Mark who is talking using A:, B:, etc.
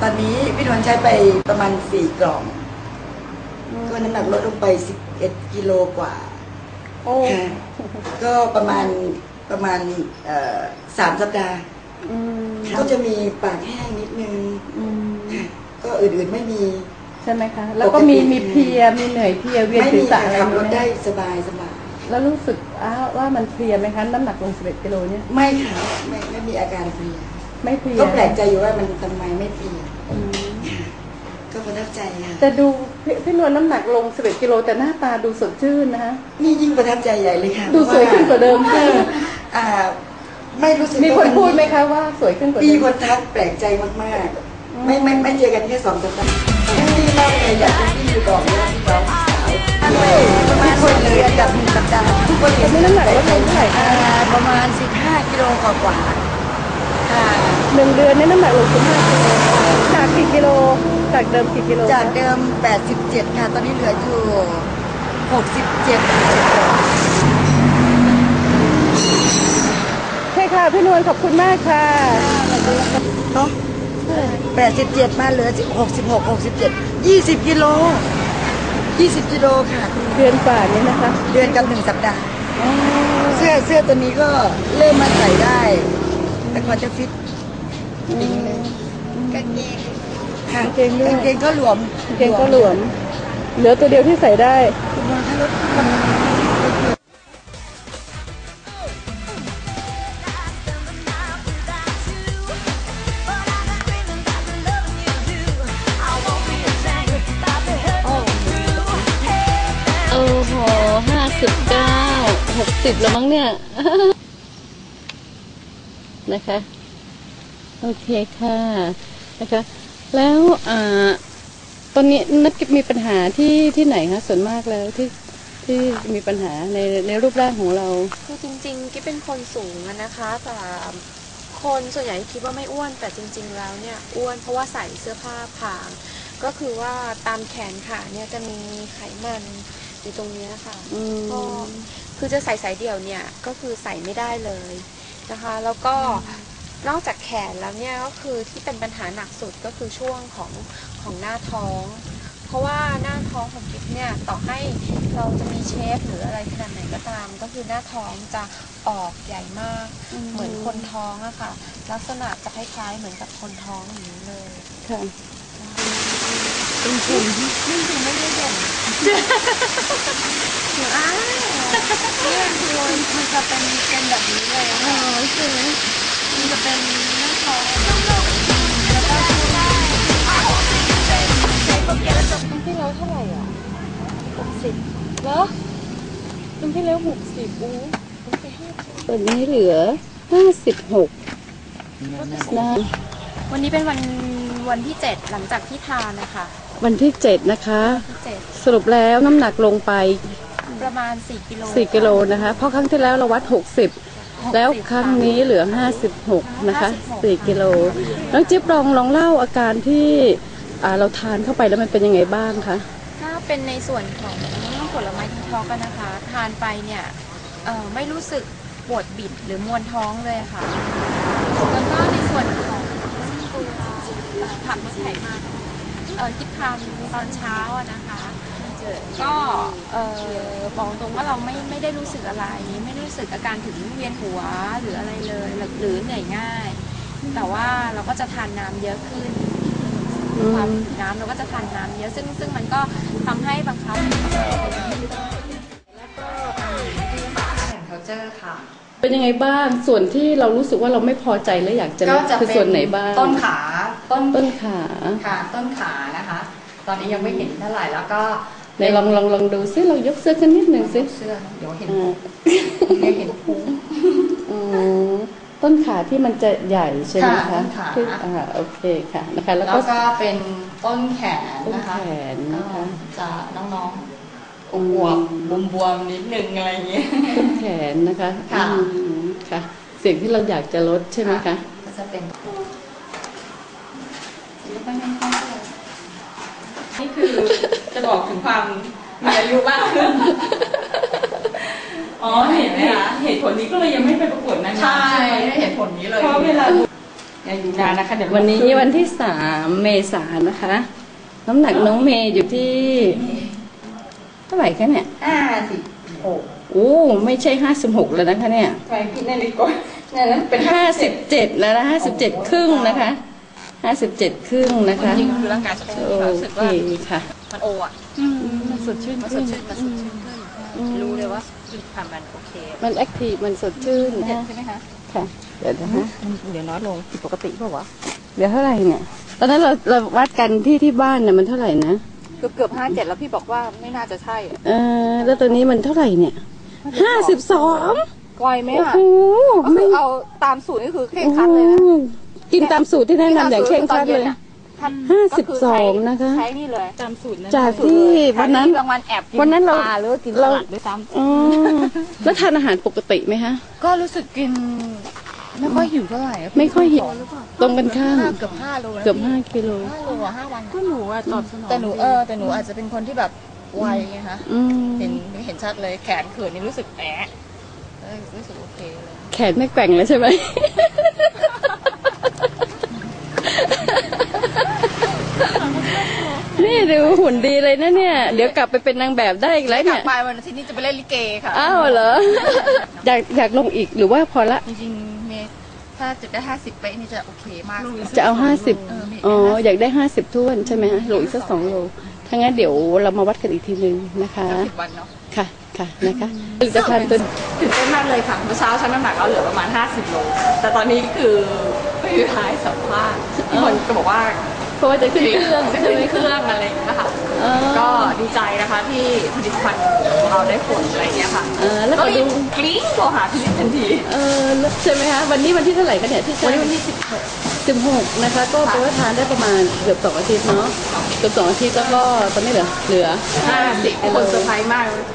A: อนนี้พี่นวลใช้ไปประมาณ4 กล่องก็น้ำหนักลดลงไป11 กิโลกว่าก็ประมาณ3 สัปดาห์ก็จะมีปากแห้งนิดนึงก็อื่นๆไม่มี
B: ใช่ไหมคะแล้วก็มีเพลียมีเหนื่อยเพลียเวียนศีรษะอะไร
A: ขับรถได้สบาย
B: แล้วรู้สึกว่ามันเพลียไหมคะน้ำหนักลง11 กิโลเนี่ย
A: ไม่ค่ะไม่มีอาการเพลีย
B: ไม่เพลีย
A: ก็แปลกใจอยู่ว่ามันทำไมไม่เพลียก็ประทับใจค่ะ
B: แต่ดูพี่นวลน้ำหนักลง11 กิโลแต่หน้าตาดูสดชื่นนะคะ
A: นี่ยิ่งประทับใจใหญ่เลยค่ะ
B: ดูสวยขึ้นกว่าเดิมค่ะ
A: ไม่รู้สึก
B: มีคนพูดไหมคะว่าสวยขึ้นกว่าเดิม
A: มีคนทักแปลกใจมากๆไม่เจอกันแค่2 สัปดาห์ที่เล่าเลยอยากเป็นที่อยู่ก่อนว่าพี่น้องสาวประมาณคนเลยจาก1 สัปดาห์ทุกคนเห็น
B: น้ำหนักลดลงเท่าไหร่คะ
A: ประมาณ15 กิโลกว่า
B: 1 เดือนนี่น้ำหนักลง15 กิโลจากกี่กิโลจากเดิมกี่กิโล
A: จากเดิม87ค่ะตอนนี้เหลืออยู่67
B: ใช่ค่ะพี่นวลขอบคุณมากค่ะ
A: เนาะ87มาเหลือ66 67 20 กิโลค่ะ
B: เดือนกว่านี้นะคะ
A: เดือนกับ1 สัปดาห์เสื้อตัวนี้ก็เริ่มมาใส่ได้แต่ก่อนจะฟิตดิ้งเลยกางเกงก็หลวม
B: เหลือตัวเดียวที่ใส่ได้โอ้โห59 60แล้วมั้งเนี่ยนะคะโอเคค่ะนะคะแล้วตอนนี้นักมีปัญหาที่ไหนคะส่วนมากแล้วที่มีปัญหาในรูปร่างของเรา
C: คือจริงๆกิ๊บเป็นคนสูงนะคะแต่คนส่วนใหญ่คิดว่าไม่อ้วนแต่จริงๆแล้วเนี่ยอ้วนเพราะว่าใส่เสื้อผ้าผางก็คือว่าตามแขนขาเนี่ยจะมีไขมันอยู่ตรงนี้นะคะก็คือจะใส่สายเดี่ยวเนี่ยก็คือใส่ไม่ได้เลยนะคะแล้วก็นอกจากแขนแล้วเนี่ยก็คือที่เป็นปัญหาหนักสุดก็คือช่วงของหน้าท้องเพราะว่าหน้าท้องของกิ๊บเนี่ยต่อให้เราจะมีเชฟหรืออะไรขนาดไหนก็ตามก็คือหน้าท้องจะออกใหญ่มากเหมือนคนท้องอะค่ะลักษณะจะคล้ายๆเหมือนกับคนท้องอย่างนี้เลย
B: ค่ะ
C: เป็นภูมินี่คือไม่ได้เด่นหนูเนี่ยคือมันจะเป็นแบบนี้เลยอะค่ะใช่ไหมมันจะเป็นหน้าท้องแล้วก็ปีที่แล้วเท่าไหร่อ่ะ60เหรอปีที่แล้ว60อู้ไป50
B: ตอนนี้เหลือ56นะ
C: วันนี้เป็นวันที่7หลังจากที่ทานนะคะ
B: วันที่7นะคะสรุปแล้วน้ำหนักลงไป
C: ประมาณ4 กิโล
B: นะคะเพราะครั้งที่แล้วเราวัด60แล้วครั้งนี้เหลือ56นะคะ4 กิโลน้องจิ๊บลองเล่าอาการที่เราทานเข้าไปแล้วมันเป็นยังไงบ้างคะ
C: ถ้าเป็นในส่วนของผลไม้ดีท็อกซ์นะคะทานไปเนี่ยไม่รู้สึกปวดบิดหรือมวนท้องเลยค่ะแล้วก็ในส่วนของตัวผักลดไขมันที่ทานตอนเช้านะคะก็บอกตรงว่าเราไม่ได้รู้สึกอะไรไม่รู้สึกอาการถึงเวียนหัวหรืออะไรเลยหรือเหนื่อยง่ายแต่ว่าเราก็จะทานน้ำเยอะขึ้นความน้ำเราก็จะทานน้ำเยอะซึ่งมันก็ทำให้บังคับ
D: แล้วก็แอนเคาเจอร์ค่ะ
B: เป็นยังไงบ้างส่วนที่เรารู้สึกว่าเราไม่พอใจและอยากจะคือส่วนไหนบ้าง
D: ต้นขา
B: ต้นขา
D: ค่ะต้นขานะคะตอนนี้ยังไม่เห็นเท่าไหร่แล้วก็
B: ในลองดูซิเรายกเสื้อขึ้นนิดนึงซิ
D: เสื้อเดี๋ยวเห็นพุง
B: ต้นขาที่มันจะใหญ่ใช่ไหมคะโอเคค่ะนะคะ
D: แล้วก็เป็นต้นแขนนะคะจะน้องๆอวบบวมนิดนึงอะไรอย่างเงี้ย
B: ต้นแขนนะคะค่ะสิ่งที่เราอยากจะลดใช่ไหมคะ
D: ก็จะเป็นนี่คือจะบอกถึงความมีอายุมากขึ้น
E: เห็นไหมคะเหตุผลนี้ก็เลยยังไม่ไปประกวดนางงามใช่ไหม
D: เหตุผลนี้เลย
E: เพราะเวลา
D: อย่าอยู่นานนะคะเดี๋ยว
B: วันนี้วันที่3 เมษายนนะคะ น้ำหนักน้องเมย์อยู่ที่เท่าไหร่คะเนี่ย
D: 56
B: โอ้ไม่ใช่56แล้วนะคะเนี่ย
D: ไปพี่นาฬิกานั่นเป็น
B: 57แล้วนะ57 ครึ่งนะคะ57 ครึ่งนะคะ
D: จริงๆคือร่างกายจะ
B: โอ
D: รู้สึก
B: เค
D: ว่า
B: ค่ะ
D: มันโออ่ะ
B: มันสดชื่น
D: มันสดชื่นมันสดชื่นขึ้นรู้เลยว่าคือทำมันโอเค
B: มันแอคทีฟมันสดชื่น
D: ใช่ไหมคะ
B: ค่ะ เดี๋ยวนะคะ
D: เดี๋ยวน้อยลงผิดปกติเปล่าวะ
B: เดี๋ยวเท่าไหร่เนี่ย ตอนนั้นเราวัดกันที่บ้านเนี่ยมันเท่าไหร่นะ
D: เกือบ57แล้วพี่บอกว่าไม่น่าจะใช่
B: แล้วตัวนี้มันเท่าไหร่เนี่ย52
D: ไวไหม
B: โอ้
D: อ่ะ
B: โห
D: ก็คือเอาตามสูตรนี่คือเคร่งครัดเลยนะ
B: กินตามสูตรที่แนะนำอย่างเคร่งครัดเลย 52นะคะ
D: ใช้นี่เลย
E: ตามสูตรนั้น
B: จากที่วันนั้น
D: บางวันแอบกิน
B: วันนั้นเรา
D: ปลาหรือว่ากินสลัดด้วยซ้
B: อ๋อแล้วทานอาหารปกติไหมคะ
D: ำก็รู้สึกกินไม่ค่อยหิวเท่าไหร่
B: ไม่ค่อยหิวตรงกันข้าม
D: เกือบ5 โลนะ
B: เกือบ5 กิโล
D: 5 โลอ่ะ5 วัน
E: ก็หนูอะตอบสนอง
D: แต่หนูอาจจะเป็นคนที่แบบไวไงคะ
B: อืม
D: เห็นชัดเลยแขนเขินนี่รู้สึกแอะรู้สึกโอเคเลย
B: แขนไม่แกว่งเลยใช่ไหม นี่ดูหุ่นดีเลยนะเนี่ย เดี๋ยวกลับไปเป็นนางแบบได้อีกแล้ว
D: กลั
B: เนี่
D: บ
B: ย
D: ไปวันอาทิตย์นี้จะไปเล่นลิเกค่ะ
B: อ้าวเหรอ อยากลงอีกหรือว่าพอละ
D: จริงๆเมย์ถ้าจุดได้50ไปนี่จะโอเคมากเลย
B: จะเอา
D: เออ
B: 50
D: มี
B: อ๋อ อยากได้50ท้วนใช่ไหมฮะโลอีกสัก2 โล ถ้างั้นเดี๋ยวเรามาวัดกันอีกทีนึงนะคะ
D: 10 วันเนาะ
B: ค่ะ ค่ะ นะคะผลิตภัณฑ์ตัว
D: ตื่นเต้นมากเลยค่ะเมื่อเช้าชั่งน้ำหนักเราเหลือประมาณ50 โลแต่ตอนนี้คือไม่มีท้ายสัมภาษณ์ที่คนก็บอกว่า
B: เพราะว่าจะขึ้นเครื่อง
D: จะ
B: ใช่
D: ขึ้
B: ไหม
D: นเครื่องอะไรอย่างเงี้ยค่ะ
B: อ๋อ
D: ก็ดีใจนะคะที่ผลิตภัณฑ์ของเราได้ผลอะไรอย่างเงี้ยค่ะ
B: แล้ว
D: ก็
B: ก็
D: รี
B: ดู
D: บกรี๊ดโทรหาพี่นิดทันที
B: แล้วใช่ไหมคะวันนี้วันที่เท่าไหร่กันเนี่ยที่ใช้
D: วันนี้วันที่
B: 16นะคะ ก็แปลว่าทานได้ประมาณเกือบ2 อาทิตย์เนาะเกือบ2 อาทิตย์แล้วก็ตอนนี้เหลือ
D: 50คนเซอร์ไพรส์มาก